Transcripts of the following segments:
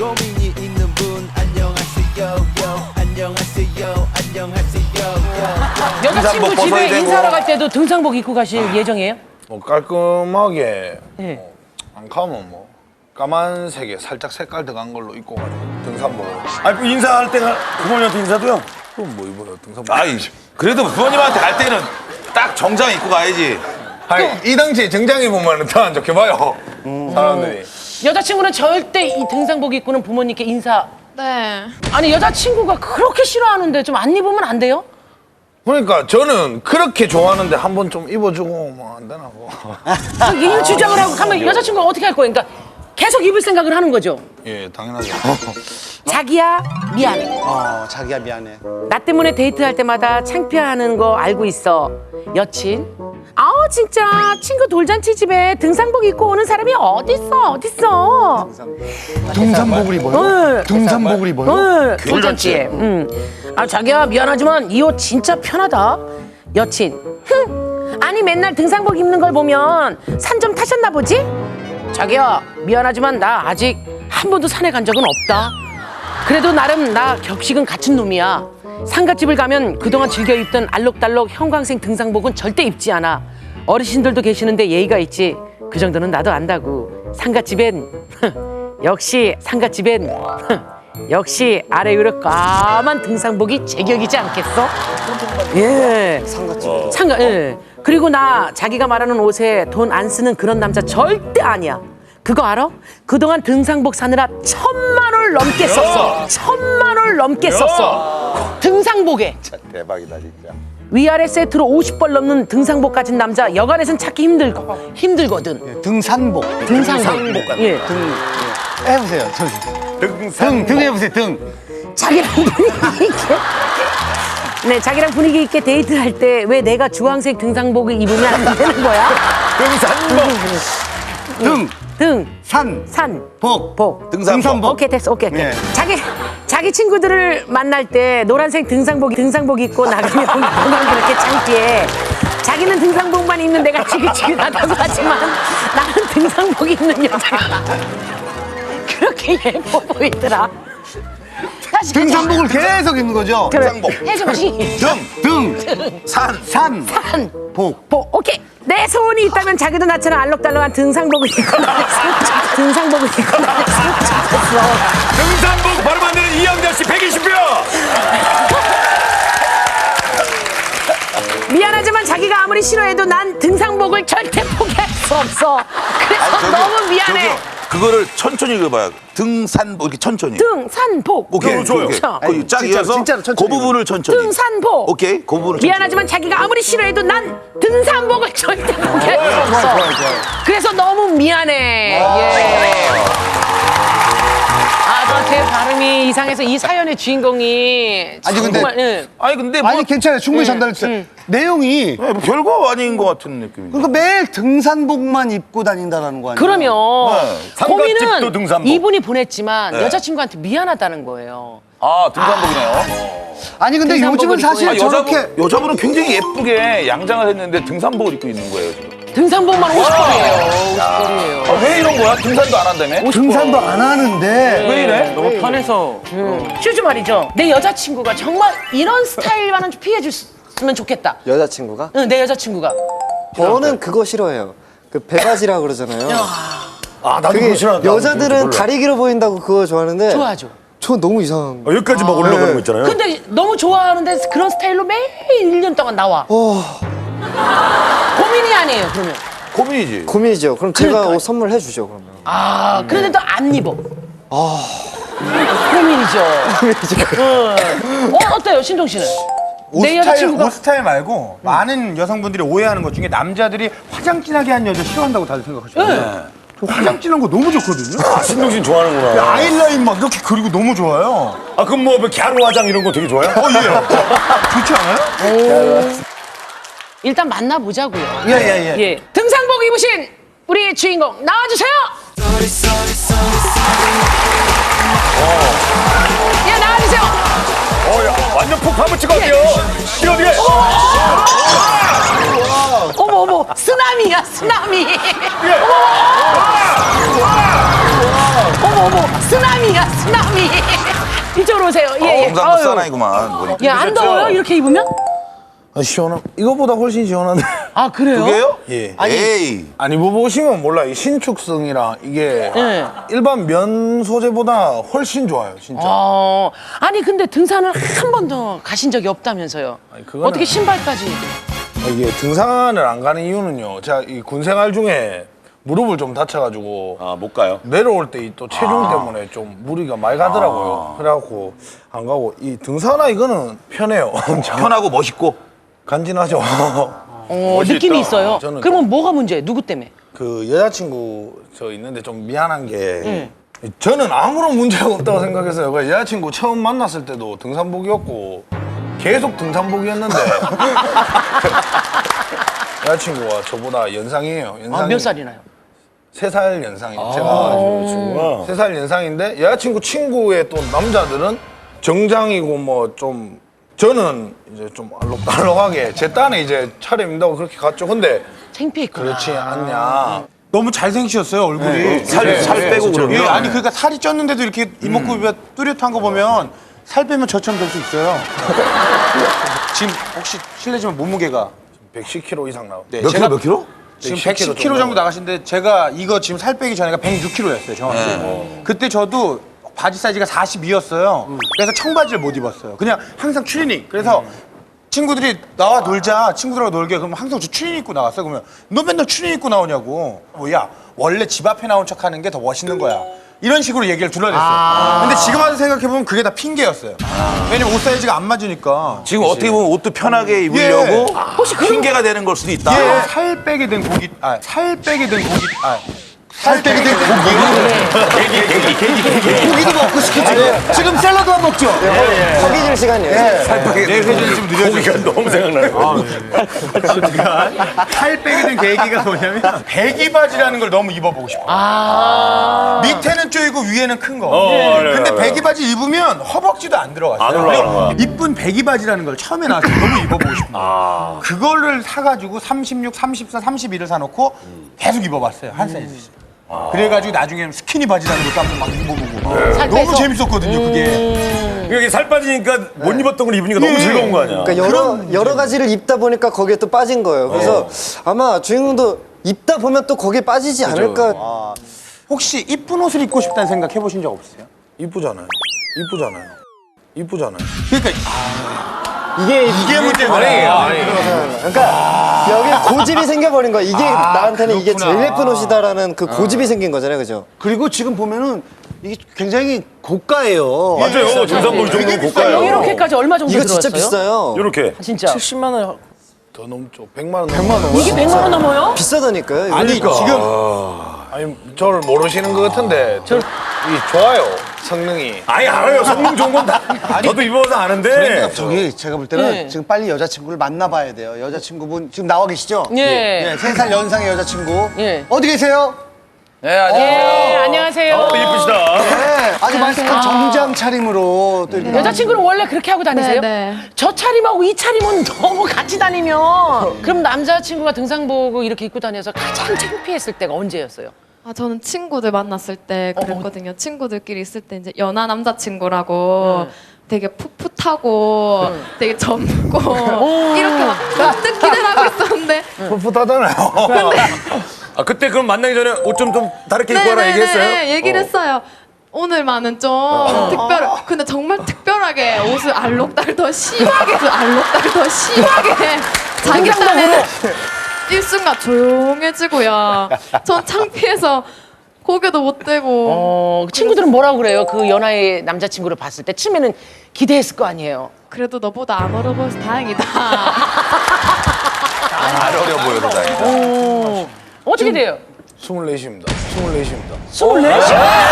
고민이 있는 분 안녕하세요. 안녕하세요. 여자친구 집에 인사하러 갈 때도 등산복 입고 가실 예정이에요? 뭐 깔끔하게 네. 안 가면 뭐 까만색에 살짝 색깔 들어간 걸로 입고 가죠. 등산복을. 아니 그 인사할 때가 부모님한테 인사도요? 그럼 뭐 입어요? 등산복. 아이, 그래도 부모님한테 갈 때는 딱 정장 입고 가야지. 아니 이 당시에 정장 입으면 더 안 좋게 봐요. 사람들이. 여자친구는 절대 이 등산복 입고는 부모님께 인사. 네. 아니 여자친구가 그렇게 싫어하는데 좀 안 입으면 안 돼요? 그러니까 저는 그렇게 좋아하는데 한 번 좀 입어주고 뭐 안 되나 뭐. 이 주장을 하고 가면 여자친구가 어떻게 할 거예요? 그러니까 계속 입을 생각을 하는 거죠. 예, 당연하죠. 자기야 미안해. 자기야 미안해. 나 때문에 데이트할 때마다 창피해하는 거 알고 있어. 여친. 아우 진짜 친구 돌잔치 집에 등산복 입고 오는 사람이 어딨어. 등산복을 입어요? 등산복을 입어요? 돌잔치에. 아 자기야 미안하지만 이 옷 진짜 편하다. 여친. 흥. 아니 맨날 등산복 입는 걸 보면 산 좀 타셨나 보지? 자기야 미안하지만 나 아직 한 번도 산에 간 적은 없다. 그래도 나름 나 격식은 갖춘 놈이야. 상갓집을 가면 그동안 즐겨 입던 알록달록 형광색 등산복은 절대 입지 않아. 어르신들도 계시는데 예의가 있지. 그 정도는 나도 안다고. 상갓집엔 역시 상갓집엔 역시 아래 위로 까만 등산복이 제격이지 않겠어? 예. 상갓집. 예. 그리고 나 자기가 말하는 옷에 돈 안 쓰는 그런 남자 절대 아니야. 그거 알아? 그동안 등산복 사느라 1,000만 원 넘게 썼어. 1,000만 원 넘게 썼어. 등산복에. 대박이다, 진짜. 위아래 세트로 50벌 넘는 등산복 가진 남자 여간에선 찾기 힘들거든. 등산복. 등산복. 예. 해보세요. 등 해보세요. 등. 자기랑 분위기 있게. 네, 자기랑 분위기 있게 데이트할 때 왜 내가 주황색 등산복을 입으면 안 되는 거야? 등. 산. 복. 등산복. 오케이 됐어. 오케이. 네. 자기 친구들을 만날 때 노란색 등산복 입고 나가면 그만 그렇게 창피해. 자기는 등산복만 입는 내가 지긋지긋하다고 하지만 나는 등산복 입는 여자가 그렇게 예뻐 보이더라. 다시 등산복을 계속 입는 거죠? 등산복. 해줘시. 등. 산. 복. 오케이. 내 소원이 있다면 자기도 나처럼 알록달록한 등산복을 입고 나갔으면 좋겠어. 등산복 바로 만드는 이영자 씨 120표! 미안하지만 자기가 아무리 싫어해도 난 등산복을 절대 포기할 수 없어. 그래서 너무 미안해. 저기요, 그거를 천천히 읽어봐요. 등산복, 이렇게 천천히. 등산복. 오케이, 좋아요. 거기 쫙 이어서 진짜로 천천히 그 부분을 천천히. 등산복. 오케이, 그 부분을 천천히. 미안하지만 자기가 아무리 싫어해도 난 등산복을 절대 포기할 수 없어. 좋아요. 그래서 너무 미안해. 예. 아, 제 발음이 이상해서 이 사연의 주인공이 아니, 근데- 정말, 예. 아니, 근데 뭐. 아니 괜찮아요. 충분히 전달했어요. 내용이 뭐 별거 아닌 것 같은 느낌이. 그러니까 매일 등산복만 입고 다닌다라는 거 아니에요? 그러면 고민은 상갓집도 등산복. 이분이 보냈지만 네. 여자친구한테 미안하다는 거예요. 아, 등산복이네요. 아니 근데 등산복을 요즘은 사실 입고 저렇게 여자분은 굉장히 예쁘게 양장을 했는데 등산복을 입고 있는 거예요, 지금. 등산복만 50벌이에요. 50벌이에요. 아, 왜 이런 거야? 등산도 안 한다며? 등산도 안 하는데 왜 이래? 너무 편해서. 슈즈 말이죠. 내 여자친구가 정말 이런 스타일만은 좀 피해줬으면 좋겠다. 여자친구가? 응, 내 여자친구가. 저는 그거 싫어해요. 그 배바지라 그러잖아요. 아 나도 그게 그거 싫어한다. 여자들은 다리 길어 보인다고 그거 좋아하는데 좋아하죠. 저 너무 이상한 거. 여기까지 막 올라가는 거 있잖아요. 근데 너무 좋아하는데 그런 스타일로 매일 1년 동안 나와. 고민이 아니에요, 그러면. 고민이지. 고민이죠. 그럼 제가 그러니까. 옷 선물해 주죠, 그러면. 아, 그런데도 안 입어. 고민이죠. 어때요, 신동 씨는? 내 여자친구가. 옷 스타일 말고 많은 여성분들이 오해하는 것 중에 남자들이 화장 진하게 한 여자 싫어한다고 다들 생각하시거든요. 저 화장 진한 거 너무 좋거든요. 신동신 좋아하는구나. 아이라인 막 이렇게 그리고 너무 좋아요. 아 그럼 뭐 갸루 화장 이런 거 되게 좋아요? 예. 좋지 않아요? 일단 만나보자고요. 예. 예. 등산복 입으신 우리 주인공 나와주세요. 예, 나와주세요. 완전 폭 파묻힌 것 같아요. 이거 어떻게? 어머. 쓰나미야, 쓰나미. 어머, 쓰나미야, 쓰나미. 이쪽으로 오세요. 예, 예. 경상도 아유. 사나이구만. 보니까. 야, 안 더워요? 이렇게 입으면? 시원함. 이거보다 훨씬 시원한데. 아, 그래요? 그게요? 예. 에이. 아니 뭐 보시면 몰라. 이 신축성이랑 이게 예. 일반 면 소재보다 훨씬 좋아요, 진짜. 아니, 근데 등산을 한 번도 가신 적이 없다면서요? 아니, 그거는- 어떻게 신발까지? 이게 등산을 안 가는 이유는요. 제가 이 군 생활 중에 무릎을 좀 다쳐가지고 아, 못 가요? 내려올 때 또 체중 때문에 좀 무리가 많이 가더라고요. 그래갖고 안 가고 이 등산화 이거는 편해요. 엄청 편하고 멋있고. 간지나죠. 느낌이 있어요. 저는 그러면 뭐가 문제예요? 누구 때문에? 그 여자친구 저 있는데 좀 미안한 게 저는 아무런 문제가 없다고 생각했어요. 그 여자친구 처음 만났을 때도 등산복이었고 계속 등산복이었는데 여자친구가 저보다 연상이에요. 연상이 몇 살이나요? 3살 연상이에요. 제가 친구가. 3살 연상인데 여자친구 친구의 또 남자들은 정장이고 뭐 좀 저는 이제 좀 알록달록하게 제 딴에 이제 차려입는다고 그렇게 갔죠. 근데 창피했구나. 그렇지 않냐. 너무 잘생기셨어요 얼굴이. 살 빼고 그러면. 예, 아니 그러니까 살이 쪘는데도 이렇게 이목구비가 뚜렷한 거 보면 살 빼면 저처럼 될 수 있어요. 지금 혹시 실례지만 몸무게가 110kg 이상 나오고. 네, 몇 킬로, 몇 킬로? 지금 110kg 110kg 정도 나가신데 제가 이거 지금 살 빼기 전에가 106kg였어요 정확히. 그때 저도 바지 사이즈가 42였어요. 그래서 청바지를 못 입었어요. 그냥 항상 추리닝. 그래서 친구들이 나와 놀자, 친구들하고 놀게. 그러면 항상 저 추리닝 입고 나왔어요. 그러면 너 맨날 추리닝 입고 나오냐고. 야 원래 집 앞에 나온 척하는 게 더 멋있는 거야. 이런 식으로 얘기를 둘러댔어요. 근데 지금 와서 생각해보면 그게 다 핑계였어요. 왜냐면 옷 사이즈가 안 맞으니까. 지금 어떻게 보면 옷도 편하게 입으려고 혹시 그런 핑계가 되는 걸 수도 있다. 예, 살 빼게 된 고기, 살 빼게 된 고기, 살 빼게 된 고기. 고기도 먹고 싶겠지. 지금 샐러드만 먹죠. 허기 질 시간이에요. 내 회전이 좀 느려지니까. 고기가 너무 생각나요. 살 빼게 된 계기가 뭐냐면 배기 바지라는 걸 너무 입어보고 싶어. 밑에는 쪼이고 위에는 큰 거. 근데 배기 바지 입으면 허벅지도 안 들어갔어요. 안 올라가. 그리고 이쁜 배기 바지라는 걸 처음에 나왔을 때 너무 입어보고 싶은 거예요. 그거를 사가지고 36, 34, 32를 사놓고 계속 입어봤어요. 한 사이즈씩. 그래가지고 나중에는 스키니 바지라는 것도 한번 막 입어보고. 살 너무 빼서? 재밌었거든요, 그게. 이게 살 빠지니까 못 입었던 걸 입으니까 너무 즐거운 거 아니야? 그러니까 여러 가지를 입다 보니까 거기에 또 빠진 거예요. 그래서 아마 주인공도 입다 보면 또 거기에 빠지지 않을까. 혹시 이쁜 옷을 입고 싶다는 생각 해보신 적 없으세요? 이쁘잖아요. 이쁘잖아요. 이쁘잖아요. 그러니까 이게 문제구나. 그러니까 여기 고집이 생겨버린 거야. 이게 나한테는 이게 그렇구나. 제일 예쁜 옷이다라는 그 고집이 생긴 거잖아요, 그죠? 그리고 지금 보면은 이게 굉장히 고가예요. 맞아요. 등산복 정도는 고가예요. 이렇게까지 얼마 정도 이거 들어왔어요? 진짜 비싸요. 이렇게. 진짜. 70만 원 더 넘죠. 100만 원. 100만 원. 이게 100만 원 넘어요? 비싸다니까요. 이거. 아니 지금 아니 저를 모르시는 것 같은데 이 좋아요. 성능이. 아니, 알아요. 성능 좋은 건 다. 저도 입어서 아는데. 저기 제가 볼 때는 네. 지금 빨리 여자친구를 만나봐야 돼요. 여자친구분 지금 나와 계시죠? 예. 3살 연상의 여자친구. 예. 어디 계세요? 네, 안녕하세요. 네, 안녕하세요. 예쁘시다. 네, 아주 말씀한 정장 차림으로 또 이렇게. 여자친구는 원래 그렇게 하고 다니세요? 네. 저 차림하고 이 차림은 너무 같이 다니면 그럼 남자친구가 등산복을 이렇게 입고 다녀서 가장 창피했을 때가 언제였어요? 아, 저는 친구들 만났을 때 그랬거든요. 친구들끼리 있을 때 이제 연하 남자친구라고 되게 풋풋하고 되게 젊고 이렇게 막 문득 기대를 하고 있었는데 풋풋하잖아요. 아, 그때 그럼 만나기 전에 옷 좀 다르게 입고 와라 얘기했어요? 네, 얘기를 했어요. 오늘만은 좀 특별, 근데 정말 특별하게 옷을 알록달 더 심하게 자기 딴에는 일순간 조용해지고요. 전 창피해서 고개도 못 대고 친구들은 뭐라고 그래요? 그 연하의 남자친구를 봤을 때 처음에는 기대했을 거 아니에요? 그래도 너보다 안 어려 보여서 다행이다. 안 어려 보여도 다행이다. 어떻게 돼요? 24입니다. 24입니다. 24?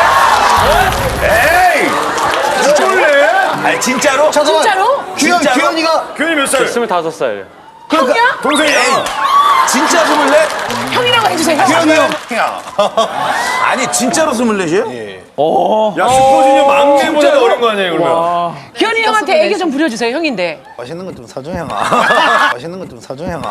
에이! 진짜로? 아니 진짜로? 진짜로? 규현이가 교현이 몇 살? 25살. 형이야? 동생이야. 진짜 24? 형이라고 해주세요. 규현이 형. 아니 진짜로 24이에요? 예. 야, 슈퍼주니어 막내보다 어린 거 아니에요, 그러면? 기현이 진짜 형한테 소문 애교 좀 부려주세요. 형인데. 맛있는 거 좀 사줘 형아. 맛있는 거 좀 사줘 형아.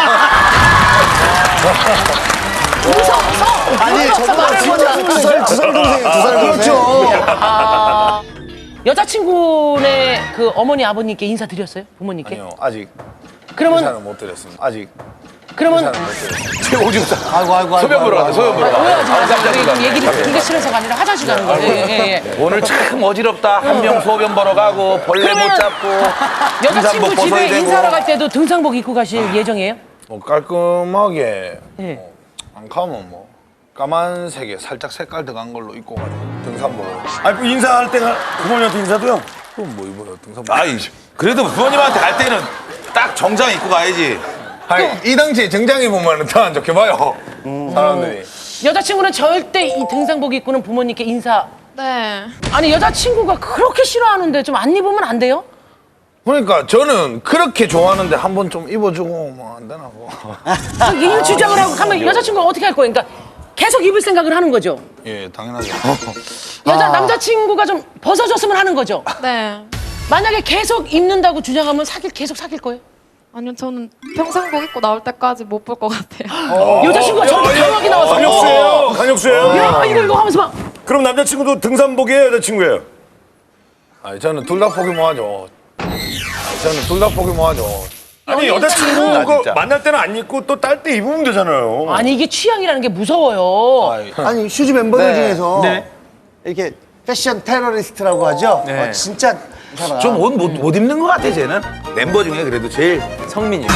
아니 저보다 진짜 두살 동생이에요. 2살 동생. 여자친구네 그 어머니 아버님께 인사드렸어요? 부모님께? 아니요 아직 그러면 인사는 못 드렸습니다. 아직 그러면 인사는 못 드렸습니다. 지금 오줌 싸. 아이고. 소변 보러 가자. 소변 보러 가. 오해하지 마세요. 얘기를 듣기가 싫어서가 아니라 화장실 가는 거예요. 예. 오늘 참 어지럽다. 한 명 소변 보러 가고 벌레 못 그러면은 잡고 여자친구 등산복 집에 벗어야 되고. 인사하러 갈 때도 등산복 입고 가실 예정이에요? 뭐 깔끔하게 예. 뭐, 안 가면 뭐 까만색에 살짝 색깔 들어간 걸로 입고 가지고 등산복을. 아니 그 인사할 때가 부모님한테 인사도요? 그럼 뭐 입어요 등산복. 아이 그래도 부모님한테 갈 때는 딱 정장 입고 가야지. 아니 이 당시에 정장 입으면 더 안 좋게 봐요. 사람들이. 여자친구는 절대 이 등산복 입고는 부모님께 인사. 네. 아니 여자친구가 그렇게 싫어하는데 좀 안 입으면 안 돼요? 그러니까 저는 그렇게 좋아하는데 한번 좀 입어주고 뭐 안 되나 뭐. 이 주장을 하고 가면 여자친구가 어떻게 할 거예요? 그러니까 계속 입을 생각을 하는 거죠. 예 당연하죠. 남자친구가 좀 벗어줬으면 하는 거죠. 네. 만약에 계속 입는다고 주장하면 계속 사귈 거예요? 아니요, 저는 평상복 입고 나올 때까지 못 볼 것 같아요. 여자친구가 저렇게 강하게 나와서 강력수예요. 강력수예요. 야 이거 하면서 막 그럼 남자친구도 등산복이에요, 여자친구예요? 아니 저는 둘 다 포기 뭐 하죠. 저는 둘 다 포기 뭐 하죠. 아니 아, 여자친구 진짜. 만날 때는 안 입고 또 딸 때 입으면 되잖아요. 아니 이게 취향이라는 게 무서워요. 아니 슈즈 멤버들 네. 중에서 네. 이렇게 패션 테러리스트라고 하죠. 진짜 이 사람. 좀 옷 못 입는 것 같아 쟤는. 멤버 중에 그래도 제일 성민이.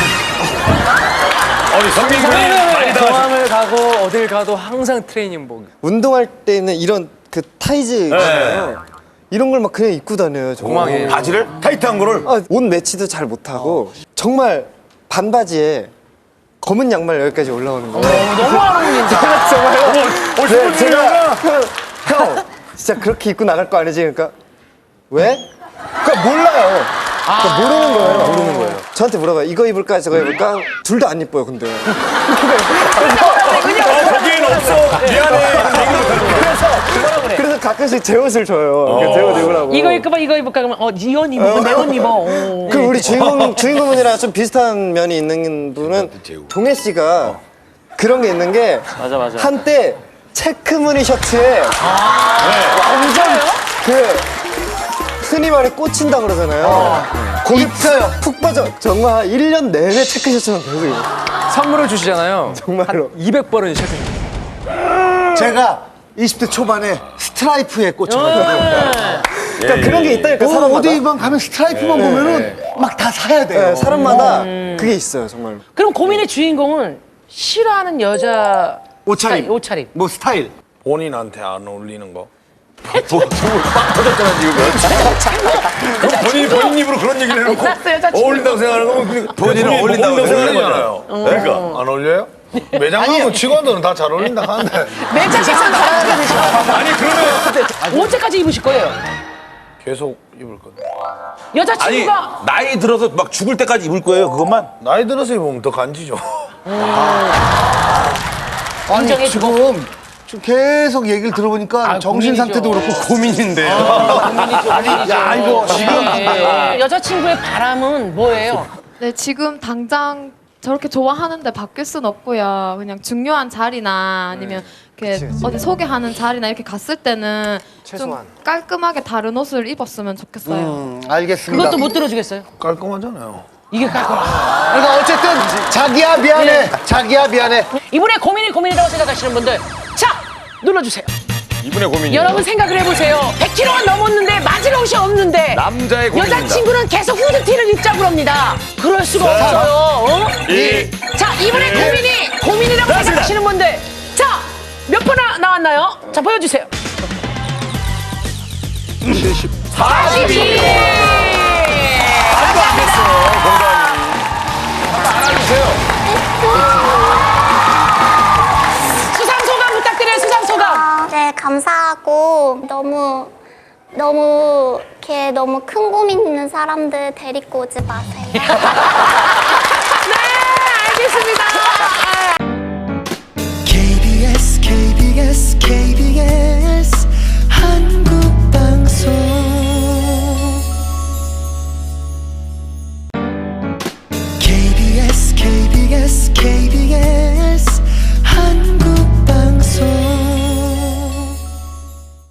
아니 성민 군이 많이 당하셨. 공항을 가고 어딜 가도 항상 트레이닝복. 운동할 때는 이런 그 타이즈 있잖아요. 이런 걸 막 그냥 입고 다녀요. 정말. 공항에. 바지를 타이트한 거를. 옷 매치도 잘 못하고 정말 반바지에 검은 양말 여기까지 올라오는 거예요. 너무 안 어울린다. 정말요? 네, 제가 형 진짜 그렇게 입고 나갈 거 아니지? 그러니까 왜? 그러니까 몰라요. 그러니까 모르는 거예요. 저한테 물어봐요. 이거 입을까 저거 입을까? 둘 다 안 이뻐요. 근데. 거기엔 없어. 미안해. 그래서 가끔씩 제 옷을 줘요. 제 옷 입으라고. 이거 입을까 이거 입을까 그러면 네 옷 입어 내 옷 입어. 오. 그 우리 주인공분이랑 좀 비슷한 면이 있는 분은 동해 씨가 그런 게 있는 게 맞아. 한때 체크무늬 셔츠에 완전 그 흔히 말해 꽂힌다 그러잖아요. 거기 푹 빠져. 정말 한 1년 내내 체크 셔츠만 계속 입어. 선물을 주시잖아요. 정말로. 200번은 시작해요. 제가 20대 초반에 스트라이프에 꽂혀가지고. 그러니까 그런 게 있다니까 사람마다. 어디만 가면 스트라이프만 보면은 막 다 사야 돼요. 네, 사람마다 그게 있어요 정말. 그럼 고민의 주인공은 싫어하는 여자 옷차림. 옷차림. 뭐 스타일. 본인한테 안 어울리는 거. 본인 입으로 그런 얘기를 해놓고 알았어, 여자친구. 어울린다고 생각하는 거면 본인은 어울린다고 생각하는 거잖아요. 그러니까. 안 어울려요? 매장 가면 직원들은 다 잘 어울린다 하는데 매장에서 나가야 되죠. 아니 그러면 언제까지 입으실 거예요? 계속 입을 거예요. 아니 여자친구가 나이 들어서 막 죽을 때까지 입을 거예요 그것만. 나이 들어서 입으면 더 간지죠. 아니 인정해주고. 지금 계속 얘기를 들어보니까 정신 상태도 그렇고 고민인데요. 야 이거 지금 여자친구의 바람은 뭐예요? 네, 지금 당장 저렇게 좋아하는데 바뀔 순 없고요. 그냥 중요한 자리나 아니면 이렇게 어디 소개하는 자리나 이렇게 갔을 때는 좀 최소한. 깔끔하게 다른 옷을 입었으면 좋겠어요. 알겠습니다. 그것도 못 들어주겠어요? 깔끔하잖아요. 이게 깔끔. 그러니까 어쨌든 자기야 미안해. 자기야 미안해. 이분의 고민이라고 생각하시는 분들 자 눌러주세요. 이분의 고민이. 여러분 생각을 해보세요. 100kg가 넘었는데 맞을 옷이 없는데 남자의 고민입니다. 여자친구는 계속 후드티를 입자고 합니다. 그럴 수가 없어요. 어? 자 이분의 고민이라고 생각하시는 분들 자 몇 번 나왔나요? 자 보여주세요. 42. 수상 소감 부탁드려요. 수상 소감. 네, 감사하고 너무 이렇게 너무 큰 고민 있는 사람들 데리고 오지 마세요. 네, 알겠습니다.